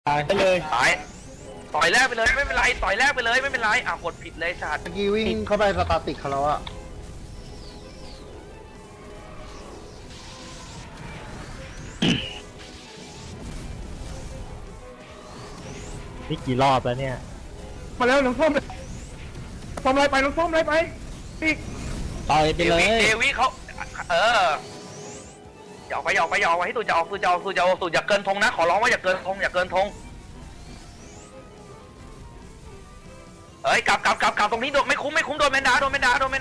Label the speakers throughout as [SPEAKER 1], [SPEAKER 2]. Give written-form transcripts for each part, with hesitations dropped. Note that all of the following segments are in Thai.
[SPEAKER 1] ไปเลย
[SPEAKER 2] ต่อยแรกไปเลยไม่เป็นไรต่อยแรกไปเลยไม่เป็นไรกดผิดเลยชาติ
[SPEAKER 3] เมื่อกี้วิ่งเข้าไปสตาร์ติกเขาแล้วอะ
[SPEAKER 1] นี่กี่รอบแล้วเนี่ย
[SPEAKER 3] มาแล้วน้องส้มส้มไรไปน้องส้มไรไปปีก
[SPEAKER 1] ต่อยไปเลย
[SPEAKER 2] เดวิเขาอย่าออกไปให้ตูจะออกอย่าเกินธงนะขอร้องว่าอย่าเกินธงเอ้ยกลับตรงนี้ไม่คุ้มโดนแมนดากลับ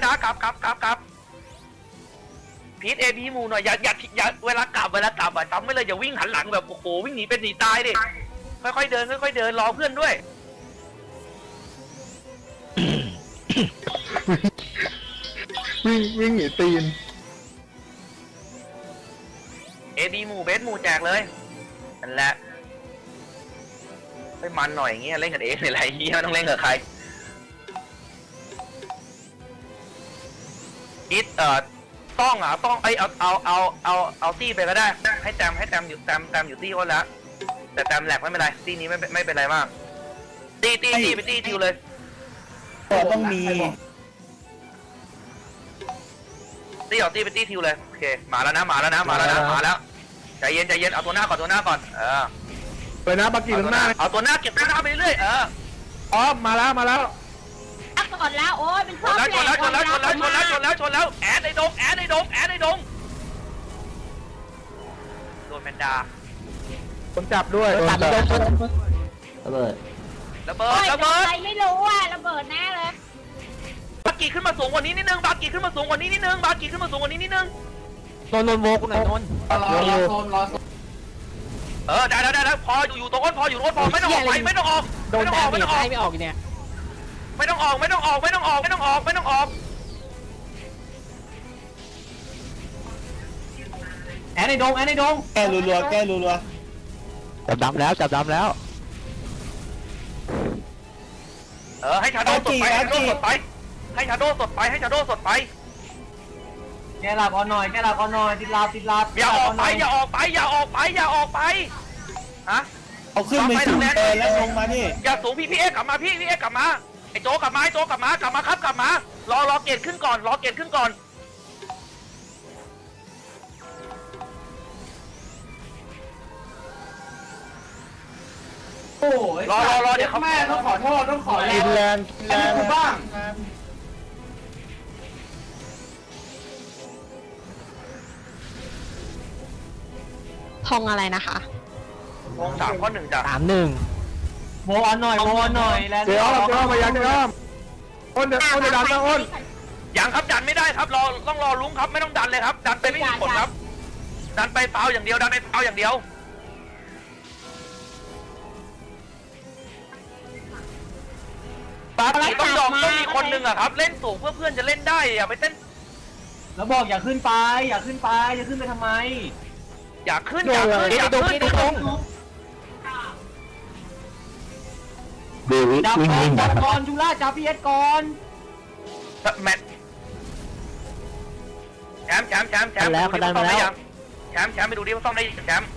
[SPEAKER 2] พีทเอพีมูหน่อยอย่าเวลากลับจำไม่เลยอย่าวิ่งหันหลังแบบโอ้โหวิ่งหนีเป็นหนีตายดิค่อยๆเดินรอเพื่อนด้วย
[SPEAKER 3] วิ่งหนีตีน
[SPEAKER 2] เอดีหมูเบสหมูแจกเลยนั่นแหละให้มันหน่อยอย่างเงี้ยเล่นกันเองอะไรเงี้ยต้องเล่นกับใครอิทต้องเอาตี้ไปก็ได้ให้แตมอยู่ตี้อ้นแล้วแต่แตมแหลกไม่เป็นไรตี้นี้ไม่เป็นไรมากตี้ไปตี้ทิวเลย
[SPEAKER 1] ต้องมี
[SPEAKER 2] ตี้เอาตี้ไปตี้ทิวเลยโอเคมาแล้วใจเย็นเอาตัวหน้าก่อน
[SPEAKER 3] ไปนะบักกี้ข้างหน้า
[SPEAKER 2] เอาตัวหน้าเก็บตัวหน้าไปเรื่อย
[SPEAKER 3] อ๋อมาแล้ว
[SPEAKER 4] ก่อนแล้วโอ้ยเป็นข้อแปลกชน
[SPEAKER 2] แล้วแอดในดงโดนแมนดา
[SPEAKER 3] ผมจับด้วย
[SPEAKER 1] ระเบิด
[SPEAKER 4] อะไรไม่รู้ระเบิดแน่เลย
[SPEAKER 2] บากีขึ้นมาสูงกว่านี้นิดนึง
[SPEAKER 1] นนโวกหน่อยนน
[SPEAKER 2] ได้พออยู่ตรงก้นพอไม่ต้องออก
[SPEAKER 1] โดนแดดไม่ออกเนี่ย
[SPEAKER 2] ไม่ต้องออก
[SPEAKER 1] แอนในดงแก้รัวจับดำแล้ว
[SPEAKER 2] ให้ชาโดสดไปให้ชาโดสดไป
[SPEAKER 1] แกหลับอ่อนหน่อยติดลาบ
[SPEAKER 2] อย่าออกไปฮะ
[SPEAKER 1] เอาขึ้นไปสูงแล้วลงมานี่
[SPEAKER 2] อย่าสูงพี่เอ็กกลับมาไอ้โจกลับมารอเกตขึ้นก่อน
[SPEAKER 1] โอ้ย
[SPEAKER 2] รอเดี๋ยว
[SPEAKER 1] แม่ต้องขอโทษต้องขอ
[SPEAKER 3] แรง
[SPEAKER 1] บ้าง
[SPEAKER 4] ทงอะไรนะคะ
[SPEAKER 2] ทง3 ข้อ 1จ้ะ
[SPEAKER 1] 3-1โวอนหน่อย
[SPEAKER 3] แล้วเดี๋ยวมายังอ้นเดี๋ยวดันนะอ้น
[SPEAKER 2] ยังครับดันไม่ได้ครับต้องรอลุงครับไม่ต้องดันเลยครับดันไปไม่มีผลครับดันไปเปล่าอย่างเดียวปากีต้องยอมต้องมีคนหนึ่งอะครับเล่นสูงเพื่อเพื่อนจะเล่นได้อย่าไปเต้น
[SPEAKER 1] แล้วบอกอย่าขึ้นไปจะขึ้นไปทำไม
[SPEAKER 2] อย่าขึ้น
[SPEAKER 1] จับก่อนจุฬาจับพีเอสก่อน
[SPEAKER 2] แมทแชมป์
[SPEAKER 1] แล้วเขาดันมาแล้ว
[SPEAKER 2] แชมป์ไปดูดิว่าซ่อมได้แชมป์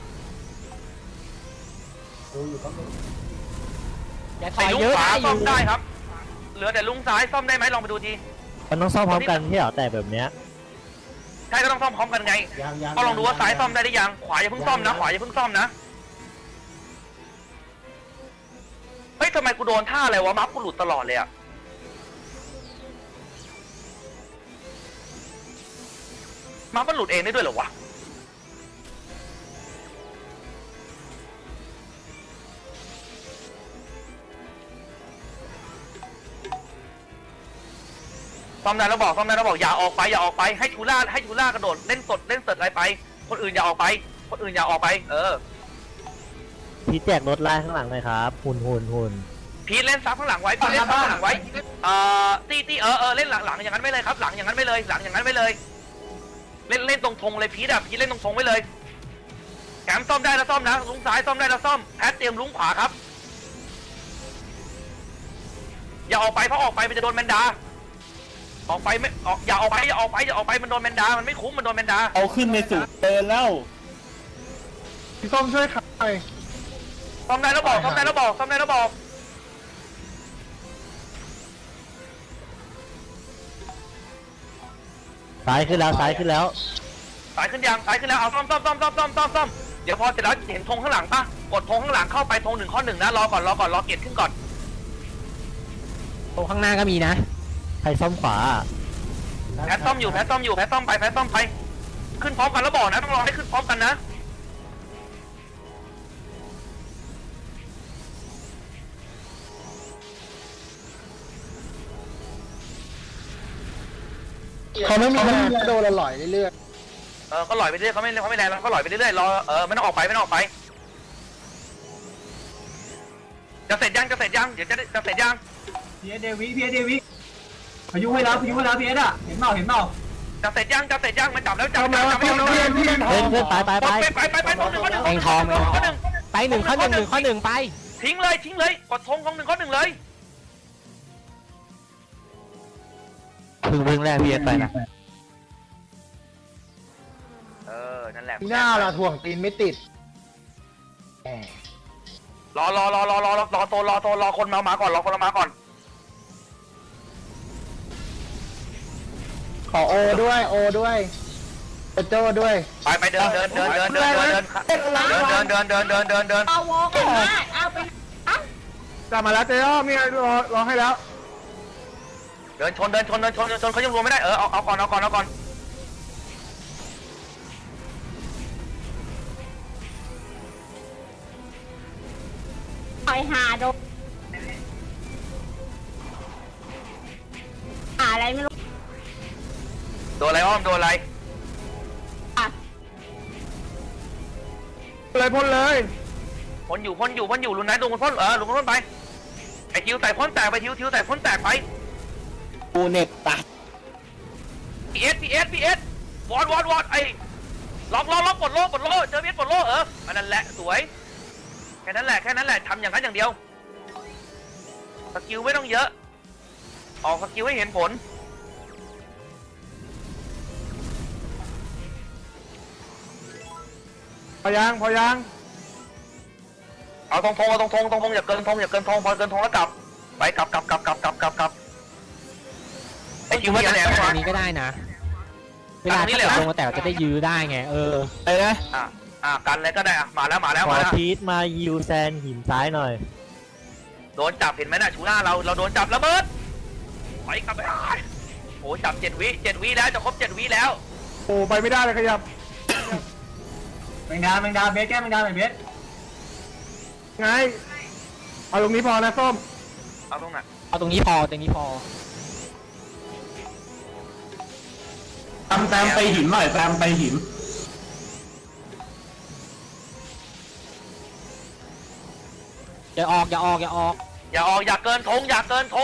[SPEAKER 2] ไอ้ลุงขวาซ่อมได้ครับเหลือแต่ลุงซ้ายซ่อมได้ไหมลองไปดูที
[SPEAKER 1] มันต้องซ่อมพร้อมกันที่เหรอแต่แบบเนี้ย
[SPEAKER 2] ใช่ก็ต้องซ่อมพร้อมกันไงก็ลองดูว่าซ้ายซ่อมได้หรือยังขวาอย่าเพิ่งซ่อมนะเฮ้ยทำไมกูโดนท่าอะไรวะมัฟกูหลุดตลอดเลยอะมัฟมันหลุดเองได้ด้วยเหรอวะซ่อมได้แล้วบอกอย่าออกไปให้ชูล่ากระโดดเล่นสดอะไรไปคนอื่นอย่าออกไป
[SPEAKER 1] พีแจกรถไล่ข้างหลังเลยครับหุ่น
[SPEAKER 2] พีเล่นซับข้างหลังไว้พีเล่นซับข้างหลังไว้ตีเล่นหลังอย่างนั้นไม่เลยครับหลังอย่างนั้นไม่เลยเล่นตรงธงเลยพีเล่นตรงธงไว้เลยแขมซ่อมได้แล้วซ่อมนะลุงซ้ายซ่อมได้แล้วซ่อมแพทเตรียมลุงขวาครับอย่าออกไปเพราะออกไปมันจะโดนแมนดาออกไปไม่อย่าออกไปมันโดนแมนดามันไม่คุ้มมันโดนแมนดา
[SPEAKER 1] เอาขึ้นไปสู่เดินแล้ว
[SPEAKER 3] พี่ส้มช่วยขับหน่อย
[SPEAKER 2] ซ่อมได้แล้วบอกซ่อมได้แล้วบอกซ่อมได้แล้วบอก
[SPEAKER 1] ซ้ายขึ้นแล้วซ้ายขึ้นแล้ว
[SPEAKER 2] สายขึ้นยังสายขึ้นแล้วเอาซ่อมเดี๋ยวพอเสร็จแล้วเห็นธงข้างหลังปะกดธงข้างหลังเข้าไปธง1 ข้อ 1นะรอก่อนรอเกียรติขึ้นก่อน
[SPEAKER 1] ตรงข้างหน้าก็มีนะใครซ่อมขวา
[SPEAKER 2] แพทซ่อมอยู่แพทซ่อมไปขึ้นพร้อมกันแล้วบอกนะต้องรอให้ขึ้นพร้อมกันนะ
[SPEAKER 3] เขาไม่มีโดนละหล่อยเรื่อย
[SPEAKER 2] ๆก็หล่อยไปเรื่อยเขาไม่แรงแล้วก็หล่อยไปเรื่อยๆรอไม่ต้องออกไปจะเสร็จยังเดี๋ยวจะเสร็จยัง
[SPEAKER 3] พีเอเดวิพายุให้แล้วพีเอสอ่ะเห็นเปล่า
[SPEAKER 2] จะเสร็จยังมันจับแล้วจับ
[SPEAKER 3] เพื่อน
[SPEAKER 1] ไป
[SPEAKER 2] ธง1 ข้อ 1
[SPEAKER 1] เองทองไป1 ข้อ 1 ไป
[SPEAKER 2] ทิ้งเลยกดธงของ1 ข้อ 1เลย
[SPEAKER 1] พึ่งแรกเพียนไปนะ
[SPEAKER 2] นั่นแหละ
[SPEAKER 3] หน้าละถ่วงตีนไม่ติด
[SPEAKER 2] รอคนมาก่อน
[SPEAKER 3] ขอโอด้วยโโจ้ด้วย
[SPEAKER 2] ไปเดิน
[SPEAKER 4] เอาวอกันมาเอาไป
[SPEAKER 3] กลับมาแล้วเจ้ามีรอให้แล้ว
[SPEAKER 2] เดินชนเขายังรวมไม่ได้เอาก่อน
[SPEAKER 4] ไปหาโดอะไรไม่รู้
[SPEAKER 2] โดนอะไรอ้อมโดนอะไร
[SPEAKER 3] พ่นเลย
[SPEAKER 2] พ่นอยู่ลุนไหนโดนพ่นลุนพ่นไปไอทิวใส่พ่นแตกไปทิวใส่พ่นแตกไป
[SPEAKER 1] ปูเน็ตตัด
[SPEAKER 2] พีเอสวอดไอ้ล็อกปลดโล่เจอพีเอสปลดโล่อันนั้นแหละสวยแค่นั้นแหละทำอย่างนั้นอย่างเดียวสกิลไม่ต้องเยอะออกสกิลให้เห็นผล
[SPEAKER 3] พอยัง
[SPEAKER 2] เอาธงอย่าเกินธงพอเกินธงแล้วกลับไปกลับไอ้คิวเนี่ย
[SPEAKER 1] ตรงนี้ก็ได้นะเวลาที่ลงมาแต่จะได้ยื้อได้ไงไปนะ
[SPEAKER 2] กันเลยก็ได้มาแล้ว
[SPEAKER 1] ขอพีทมายิวแซนหินซ้ายหน่อย
[SPEAKER 2] โดนจับเห็นไหมน่ะชูหน้าเราโดนจับระเบิดไปกลับไปโอ้จับ7 วิแล้วจะครบ7 วิแล้ว
[SPEAKER 3] โอ้ไปไม่ได้เลยขยับแมงดาเบสแก้แมงดาหน่อยเบสไงเอาตรงนี้พอนะส้ม
[SPEAKER 2] เอาตรงไหน
[SPEAKER 1] เอาตรงนี้พอ
[SPEAKER 3] แซมไปหินหน่อยแซมไปหิน
[SPEAKER 1] อย่าออก
[SPEAKER 2] อย่าเกินธงอย่าเกินธง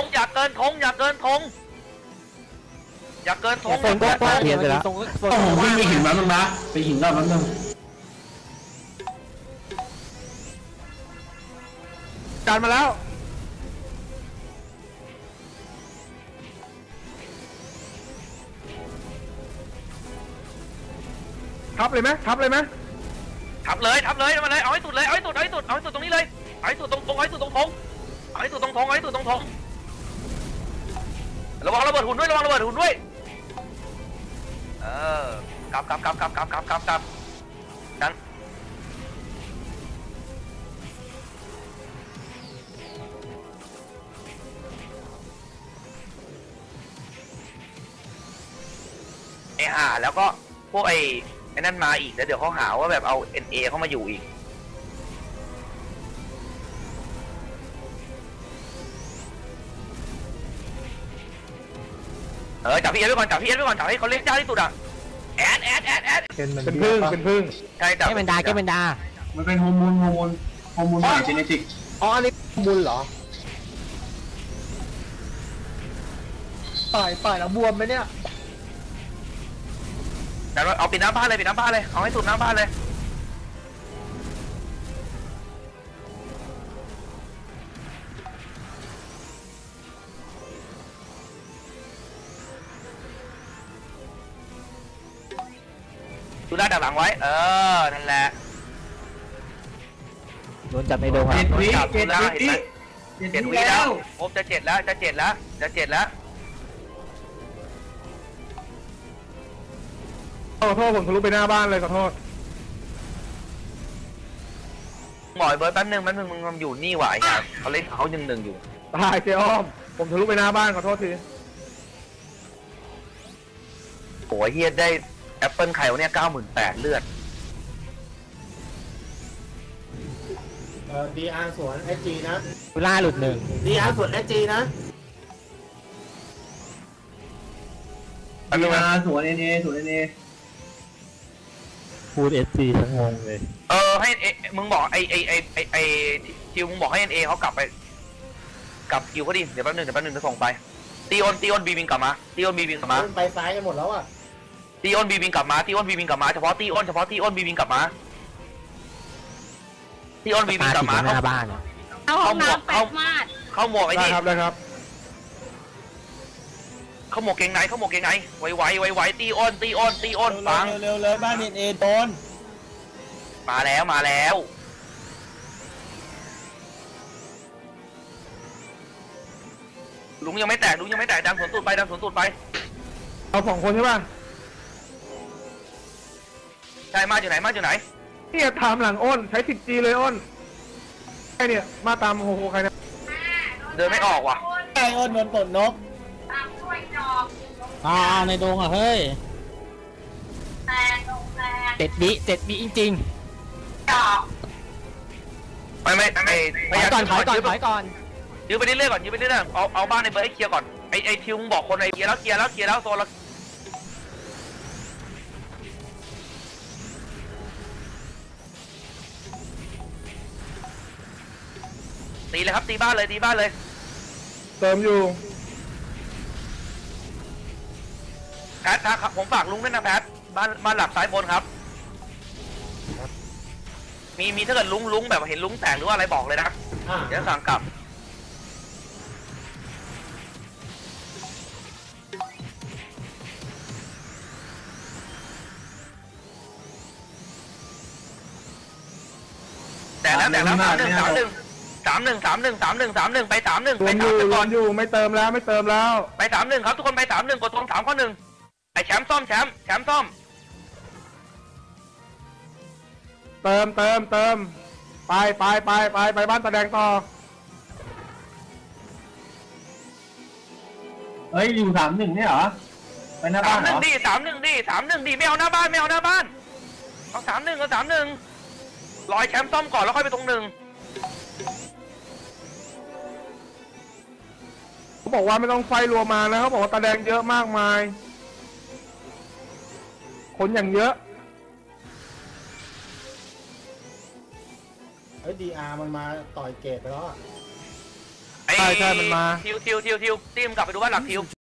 [SPEAKER 1] ก็เพียนไปแล้ว
[SPEAKER 3] วิ่งไปหินมันนะไปหินแล้วมันนึงการมาแล้วทับเลยไหม
[SPEAKER 2] ทับเลยมาเลยเอาให้สุดเลยเอาให้สุดตรงนี้เลยเอาให้สุดตรงธงระวังระเบิดหุ่นด้วยกลับกันแล้วก็พวกไอ้นั่นมาอีกแล้วเดี๋ยวเขาหาว่าแบบเอา NA เข้ามาอยู่อีกจับพี่เอสไว้ก่อนจับให้เขาเล่นยากที่สุดแอด
[SPEAKER 3] เป็นพึ่ง
[SPEAKER 2] ใช่จับ
[SPEAKER 1] แก้มันดา
[SPEAKER 3] มันเป็นฮอร์โมนใหม่เจเนติกอันนี้ฮอร์โมนเหรอป่ายแล้วบวมไหมเนี่ย
[SPEAKER 2] แต่เอาปิดน้ำบ้านเลยเอาให้สุดน้ำบ้านเลยดูหน้าดักหลังไว้นั่นแหละ
[SPEAKER 1] โดนจับในโดงครับ
[SPEAKER 3] 7 วิ
[SPEAKER 2] จับ
[SPEAKER 3] 7
[SPEAKER 2] แล้ว
[SPEAKER 3] วิ
[SPEAKER 2] เห็นไหม 7 วิแล้วโอ้จะ7แล้วจะ7แล้วจะ7แล้ว
[SPEAKER 3] ขอโทษผมทะลุไปหน้าบ้านเลยขอโทษ
[SPEAKER 2] หมอยเบิร์ดแป๊บนึงมึงอยู่นี่หวายครับเขาเล่นเขา1-1อยู่
[SPEAKER 3] ตายเจ้อ้อมผมทะลุไปหน้าบ้านขอโทษที
[SPEAKER 2] โอ้ยเฮียได้แอปเปิลไข่วะเนี่ย 98,000 เลือด
[SPEAKER 5] DR สวน SG นะ
[SPEAKER 1] กุล่าหลุดหนึ่ง
[SPEAKER 5] DR สวน SG นะ
[SPEAKER 2] แป๊บนึงนะ
[SPEAKER 3] สวน NA สวน NA
[SPEAKER 1] พูดเอสซีทั้งงงเลย
[SPEAKER 2] ให้มึงบอกไอคิวมึงบอกให้เอเขากลับไปกลับคิวเขาดิเดี๋ยวแป๊บนึงจะส่งไปตีออนบีบิงกลับมาตีออนบีบิงกลับมา
[SPEAKER 5] ไปซ้ายกันหมดแล้วอ่ะ
[SPEAKER 2] ตีออนบีบิงกลับมาตีออนบีบิงกลับมาเฉพาะตีออนบีบิงกลับมาตีออนบีบิงกลับมา
[SPEAKER 1] หน้าบ้านอะ
[SPEAKER 4] เอาห้องน้ำแปดมาด
[SPEAKER 2] เข้าหมวกไอ้
[SPEAKER 3] ได้
[SPEAKER 2] นี่
[SPEAKER 3] ครับได้ครับ
[SPEAKER 2] เข้าหมวกเกงในไวตีออนฟัง
[SPEAKER 1] เร็วเลยบ้านเอโดน
[SPEAKER 2] มาแล้วลุงยังไม่แตกดันสวนตูดไป
[SPEAKER 3] เอา2 คนใช่ป่ะ
[SPEAKER 2] ใช่มาอยู่ไหน
[SPEAKER 3] เนี่ยถามหลังอ้นใช้ 10G เลยอ้นใครเนี่ยมาตามโฮโฮใครเนี่ย
[SPEAKER 2] เดินไม่ออกว่ะ
[SPEAKER 1] ไอ้อ้นโดนปลดนกในโดงอ่ะเฮ้ย7 วิจริง
[SPEAKER 2] ไม่
[SPEAKER 1] ๆถอยก่อน
[SPEAKER 2] ยื้อไปเรื่อยๆก่อนเอาบ้านในเบอร์ให้เคลียร์ก่อนไอทิวมึงบอกคนไอเคลียร์แล้วโซนละตีเลยครับตีบ้านเลย
[SPEAKER 3] เติมอยู่
[SPEAKER 2] แพทครับผมฝากลุงด้วยนะแพทบ้านหลักซ้ายบนครับมีถ้าเกิดลุงแบบเห็นลุงแตกหรือว่าอะไรบอกเลยนะเดี๋ยวสั่งกลับแต่แล้ว3-1 ไป 3-1
[SPEAKER 3] รวมอยู่ไม่เติมแล้ว
[SPEAKER 2] ไป 3-1 ครับทุกคนไป 3-1 กดตรง3 ข้อ 1ไอแชมป์ซ่อม
[SPEAKER 3] เติมไปบ้านตาแดงต่อเฮ้ยอยู่3-1เนี่ยเหรอไปหน้าบ้านเหรอ
[SPEAKER 2] 3-1 ดิไม่เอาหน้าบ้านเอา 3-1 รอแชมป์ซ่อมก่อนแล้วค่อยไปตรง 1
[SPEAKER 3] เขาบอกว่าไม่ต้องไฟรัวมานะเขาบอกว่าตาแดงเยอะมากมายคนอย่างเยอะ
[SPEAKER 5] DR มันมาต่อยเกตไปแล้วอ่ะ
[SPEAKER 3] ใช่มันมา
[SPEAKER 2] ทิวตีมกลับไปดูบ้านหลักทิว